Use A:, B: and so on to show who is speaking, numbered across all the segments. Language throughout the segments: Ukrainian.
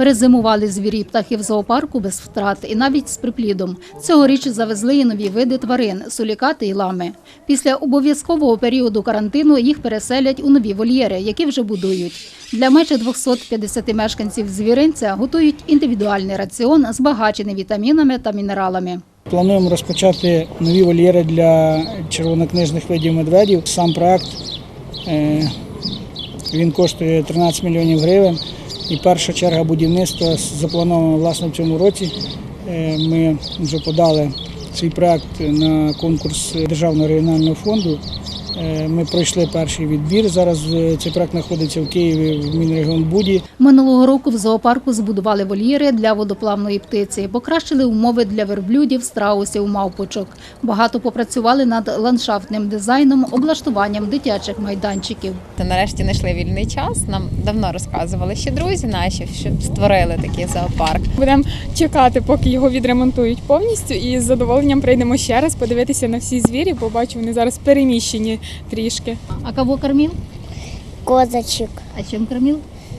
A: Перезимували звірі і птахи в зоопарку без втрат і навіть з приплідом. Цьогоріч завезли і нові види тварин – сулікати і лами. Після обов'язкового періоду карантину їх переселять у нові вольєри, які вже будують. Для майже 250 мешканців звіринця готують індивідуальний раціон, збагачений вітамінами та мінералами.
B: Плануємо розпочати нові вольєри для червонокнижних видів медведів. Сам проект він коштує 13 мільйонів гривень. І перша черга будівництва запланована власне в цьому році. Ми вже подали свій проект на конкурс Державного регіонального фонду. Ми пройшли перший відбір. Зараз цей проект знаходиться в Києві в Мінрегіонбуді.
A: Минулого року в зоопарку збудували вольєри для водоплавної птиці, покращили умови для верблюдів, страусів, мавпочок. Багато попрацювали над ландшафтним дизайном, облаштуванням дитячих майданчиків.
C: Нарешті знайшли вільний час. Нам давно розказували ще друзі наші, щоб створили такий зоопарк.
D: Будемо чекати, поки його відремонтують повністю, і з задоволенням прийдемо ще раз подивитися на всі звірі, побачу, вони зараз переміщені трішки.
A: А кого кормил?
E: Козочек
A: А чем кормил?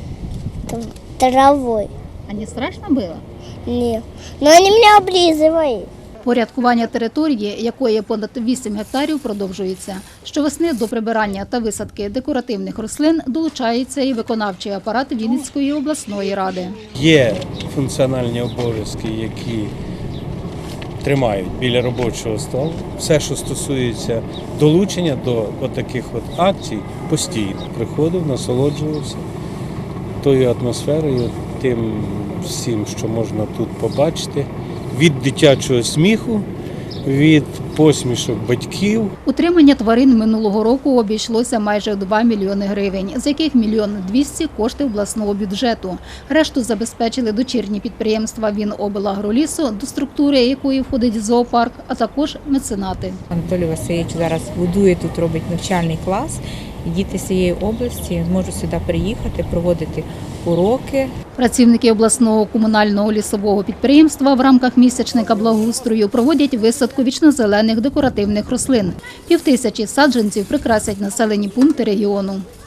E: травой.
A: А не страшно было?
E: Не. Но они меня облизывают.
A: Порядкування території, якої понад 8 гектарів, продовжується. Щовесни до прибирання та висадки декоративних рослин долучається і виконавчий апарат Вінницької обласної ради.
F: Є функціональні обов'язки, які тримають біля робочого столу. Все, що стосується долучення до таких акцій, постійно приходив, насолоджувався тою атмосферою, тим всім, що можна тут побачити. Від дитячого сміху, від посмішок батьків.
A: Утримання тварин минулого року обійшлося майже 2 мільйони гривень, з яких 1 200 000 – кошти обласного бюджету. Решту забезпечили дочірні підприємства Віноблагролісу, до структури якої входить зоопарк, а також меценати.
G: Анатолій Васильович зараз будує тут, робить навчальний клас. І діти з цієї області зможуть сюди приїхати, проводити уроки.
A: Працівники обласного комунального лісового підприємства в рамках місячника благоустрою проводять висадку вічнозелених декоративних рослин. 5000 саджанців прикрасять населені пункти регіону.